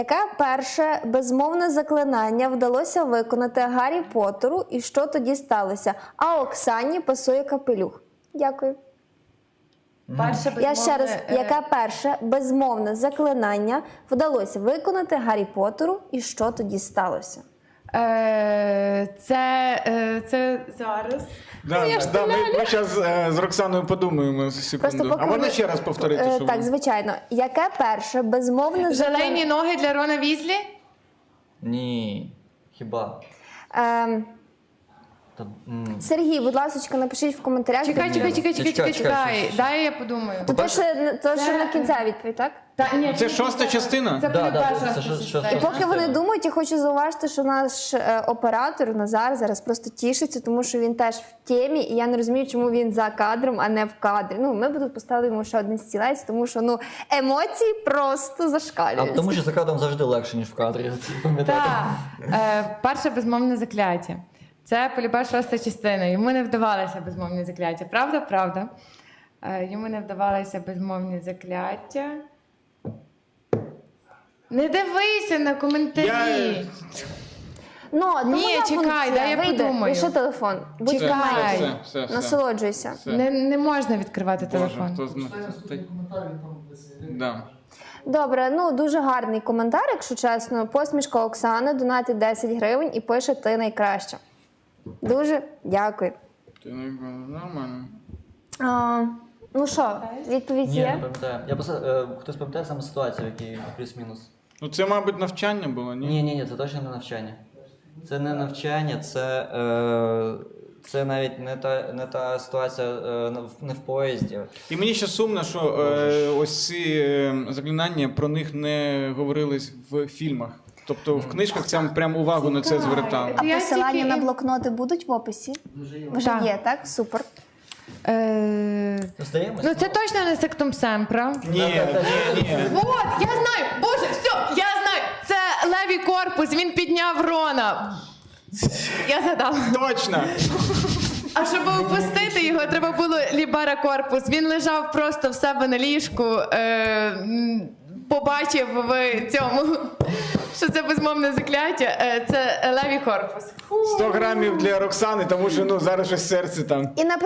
Яке перше безмовне заклинання вдалося виконати Гаррі Поттеру і що тоді сталося? А Оксані пасує капелюх. Дякую. Я ще раз, яке перше безмовне заклинання вдалося виконати Гаррі Поттеру і що тоді сталося? Це зараз. Ми зараз з Роксаною подумаємо за секунду. А можна ще раз повторити? Що Так, звичайно. Яке перше безмовне Желейні ноги для Рона Візлі? Ні. Хіба? Сергій, будь ласка, напишіть в коментарях. Чекай. Дай я подумаю. То ще на кінця відповідь, так? Це шоста частина? Це буде Да, перша це частина. І поки вони думають, я хочу зауважити, що наш оператор Назар зараз просто тішиться, тому що він теж в темі, і я не розумію, чому він за кадром, а не в кадрі. Ну, ми б тут поставили йому ще один стілець, тому що емоції просто зашкалюють. А тому що за кадром завжди легше, ніж в кадрі. Пам'ятаєте? Так. Перше безмовне закляття. Це полюбе шоста частина. Йому не вдавалося безмовні закляття. Правда? Правда. Йому не вдавалося безмовні закляття. Не дивися на коментарі. Ні, чекай, дай я подумаю. Лише телефон. Будь Чекай. все. Насолоджуйся. Не можна відкривати Боже, телефон. хто знає. Да. Добре, дуже гарний коментар, якщо чесно. Посмішка Оксани, донатить 10 гривень і пише «Ти найкраща». Дуже дякую. Ти нормально. Ну що, відповідь Ні, є? не пам'ятаю. Я просто, хтось пам'ятає саме ситуацію, в якій плюс-мінус? Ну це, мабуть, навчання було, ні? Ні, це точно не навчання. Це не навчання, це навіть не та ситуація не в поїзді. І мені ще сумно, що ось ці заклинання, про них не говорились в фільмах. Тобто в книжках це прям увагу на це звертали. А Я посилання тільки- на блокноти будуть в описі? Вже Так. є, так? Супер. Здаємось? Ну це точно не сектум семпра. Ні. Вот, я знаю! Боже, все, я знаю! Це левій корпус, він підняв Рона. Я згадала. Точно! А щоб опустити його, треба було лібера корпус. Він лежав просто в себе на ліжку, побачив в цьому, що це безмовне закляття. Це левій корпус. 100 грамів для Роксани, тому що зараз щось серце там. І